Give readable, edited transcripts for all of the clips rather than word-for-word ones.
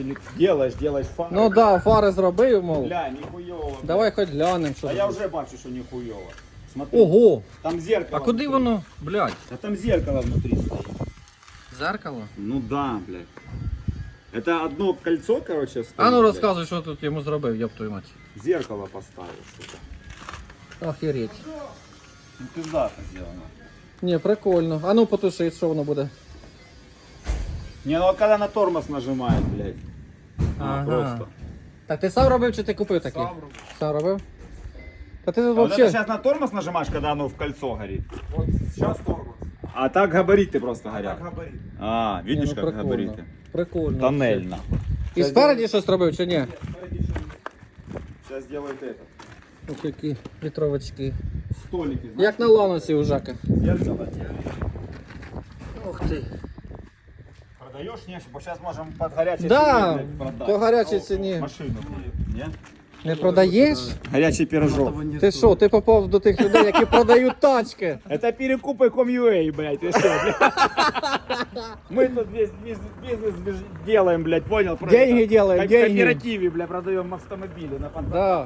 Делаешь фари. Ну да, фари зробив, мов. Бля, ніхуйово. Давай хоч глянемо, що. А тут. я вже бачу, що ніхуйово. Смотри. Ого! Там зеркало. А куди внутри. воно, блядь? А там зеркало внутри стоит. Зеркало? Ну да, блядь. Это одно кольцо, короче, стоит. А ну блядь. розказуй, що тут йому зробив, ёб твою мать. Зеркало поставил, сука. Охереть. Ну пиздато сделано. Не, прикольно. А ну потуши, що воно буде. Не, ну а когда на тормоз нажимает, блядь. Ага. Просто. Так ти сам робив чи ти купив такі? Сам робив. Сам робив? Та ти тут А вот это вообще... сейчас на тормоз нажимаешь, когда оно в кольцо горит. Вот сейчас тормоз. А так габариты просто горят. Как габарит. А, Ні, видишь, ну, как прикольно. габариты? Прикольно. Тоннель, вообще. нахуй. І спереді щось робив чи ні? Сейчас делают это. Ось які вітровочки. Столики, знаешь? Як на ланосі у Жака. Зеркало. Ух ти. Продаешь нечто, бо сейчас можем под горячей Да, цене, блядь, продать. по гарячій ціні. Машину. Не? Не продаєш? Горячий пирожок. Ти що, ти попав до тих людей, які продають тачки? Это перекупы.com.ua, блядь, ты что, блядь? Мы тут весь бизнес делаем, блядь, понял? Деньги делаем, В деньги. кооперативе, блядь, продаем автомобили на фонтане. Да.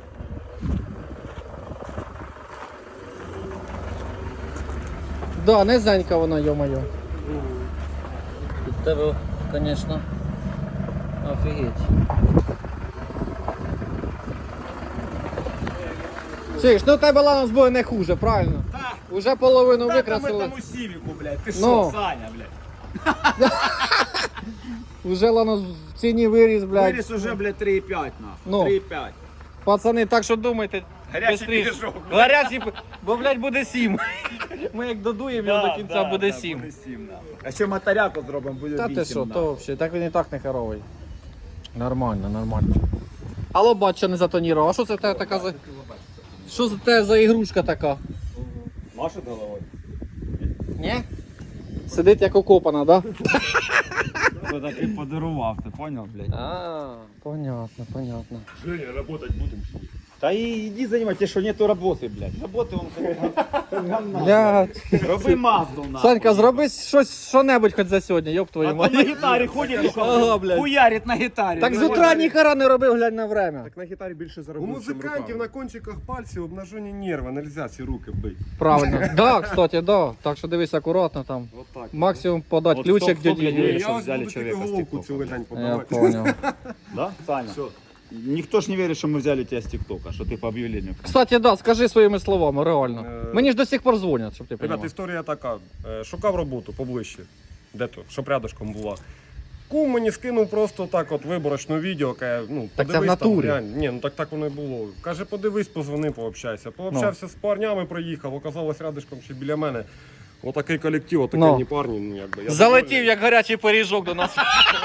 Да, низенька вона, йо-моє. Від тебе, звісно, офігеть. Чиш, ну у тебе ланос буде не хуже, правильно? Да. Уже половину Да, там викрасили. этому Сивику, блядь, ты Ну. что, Саня, блядь? Уже ланос в ціні виріс, блядь. Вырез уже, блядь, 3,5 нахуй. Ну. 3,5. Пацани, так що думайте. Гарячий бистріше. пиріжок. Гарячий, бо, блядь, буде 7. Ми як додуємо його до кінця, буде 7. Буде 7, нахуй. А ще моторяку зробимо, буде 8. Та ти що, нахуй. то взагалі, так він і так не хоровий. Нормально, нормально. Алло, бач, що не затонірував. А що це в тебе така за... Що це в тебе за ігрушка така? Машет головою. Ні? Сидить як окопана, да? Хто такий подарував, ти понял, блядь? А, понятно, понятно. Женя, работать будем. Та іди займайся, що нету роботи, блядь. Роботи он говна. Блядь. Роби Мазду, нахуй. Санька, зроби щось, що-небудь хоч за сьогодні, ёб А твою то мать. на гітарі ходить, Ага, блядь. хуярить на гітарі. Так з утра ніхера не робив, глянь на время. Так на гітарі більше У заробив, музикантів на кончиках пальців обнажені нерви, нельзя ці руки бити. Правильно. Да, кстати, да. Так що дивись акуратно там. Вот так. Максимум подати ключик стоп, дяді. стоп, Юрі. що Я ось взяли буду тільки чоловіка з головку TikTok. цілий день Я подавати. понял. Да, Саня? Все. Ніхто ж не вірить, що ми взяли тебе з ТикТока, що ти по об'явленню. Кстати, да, скажи своїми словами, реально. Е, Мені ж до сих пор дзвонять, щоб ти Ребят, розумів. історія така. Шукав роботу поближче. Де то? Щоб рядышком була. Кум мені скинув просто так от виборочне відео, каже, ну, Так це в подивись там, натурі. глянь. Ні, ну так воно і було. Каже, подивись, позвони, пообщайся. Пообщався з парнями, проїхав, оказалось рядышком ще біля мене. Отакий колектив, отакі Ну. парні, ну якби. Я Залетів, довольний. як гарячий пиріжок до нас.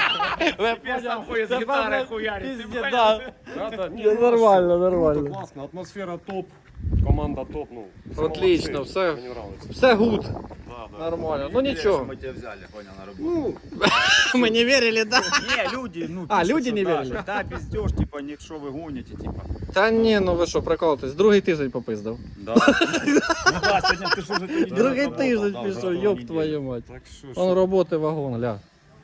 Тепер сам ходить з гітари хуярить. Пиздец, да. Да, ні, Нормально, круто, нормально. класно, атмосфера топ, команда топ, ну. все Отлично, молодці, все. Мені нравиться. Все гуд. Да, да. Нормально. Ну нічого. Ми тебе взяли, понял, на роботу. Ну, Ми не вірили, да? Не, люди, ну, А, пишуть, люди що не да, вірили? що, Да, пиздеж, типа, що ви гоните, типа. Та ні, ну ви що, приколитесь. Другий тиждень попиздав. Да. Ну да, сьогодні ти ж уже ти Другий тиждень пішов, ёб твою мать. так що ж. Он роботи вагон, ля.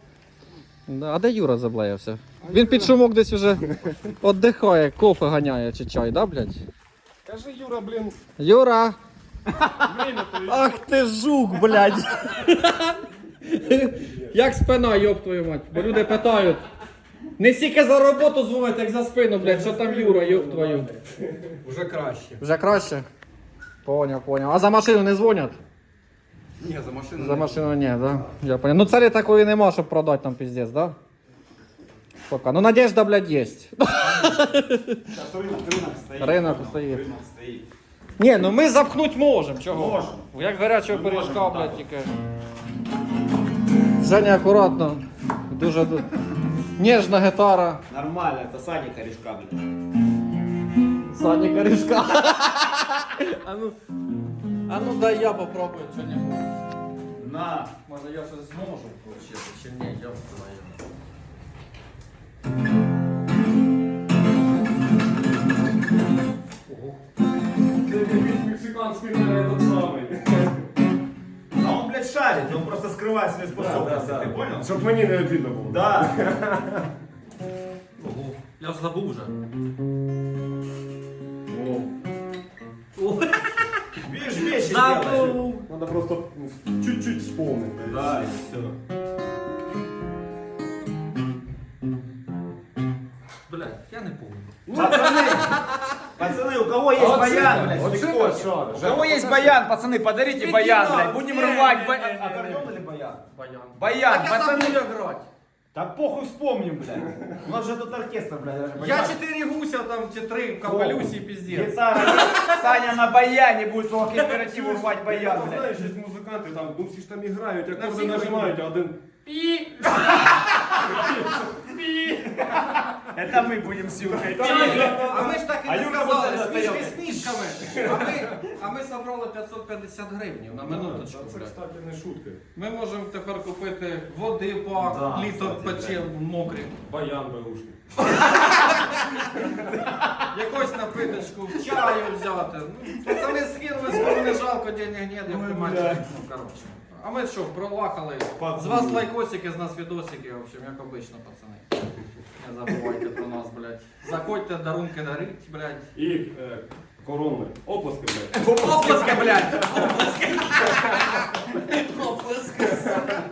Да, а де Юра заблеявся? Він під шумок десь уже віддихає, кофе ганяє чи чай, да, блядь? Кажи, Юра, блін, Юра! Ах ти жук, блядь! Як спина, йоб твою мать, бо люди питають. Не стільки за роботу дзвонять, як за спину, блядь, що там Юра, йоб твою. Уже краще. Вже краще? Поняв, поняв. А за машину не дзвонять? Ні, за машину. За машину ні, да? Я понял. Ну царі такої нема, щоб продати там пиздец, да? Пока. Ну надежда, блядь, есть. Ринок стоїть. Ні, ну ми запхнуть можемо, чого? Можемо. Як гарячого пиріжка, блядь, тільки. Женя акуратно. Дуже ніжна гітара. Нормально, це Саня корешка, блядь. Саня корешка. А ну дай я попробую що-нибудь. На. Може я щось зможу включити, чи ні, я твою. мексиканський этот самий. А он, блядь, шарит, он просто скрывает свои способности, ты понял? Щоб мені не обідно було. Да. Я ж забув вже. Видишь, вещи делаешь. Забув. Надо просто чуть-чуть вспомнить. Да, и все. Блядь, я не помню. Пацаны, у кого есть баян, блядь, Вот кто? это шаришь. У кого есть баян, пацаны, подарите Иди баян, нахуй. блядь. Будем Не, рвать не, баян. не, не, Аккордеон не. или баян? Баян. Баян, Так я пацаны. забув грати. Да похуй вспомним, блядь. У нас же тут оркестр, блядь. Я 4 гуся, там чи 3 в капелюсі, піздець. Гитара, Саня на баяне будет по кооперативу рвать баян, Ну, блядь. знаєш, є музиканти, там, ну всі ж там і грають, На акорди всіх нажимають, а один... Пі. Это мы будем сюркать. А ми ж так і А не Юрка сказали, буде смішки стояти. смішками. А ми собрали 550 гривень на минуточку, Це, блядь. кстати, не шутки. Ми можемо тепер купити води по Да, літр кстати, пече мокрі. Баян беушний. Якусь напиточку, чаю взяти. Ну, пацани скинули, скоро не жалко, денег нет, як ти мать. Ну, коротше. А ми що, пролахали. З вас лайкосики, з нас відосики, в общем, як обично, пацани. Не забувайте про нас, блядь. Заходьте, дарунки дарить, блядь. І коронне. Оплески, блядь. Оплески, блядь! Оплески! Оплески!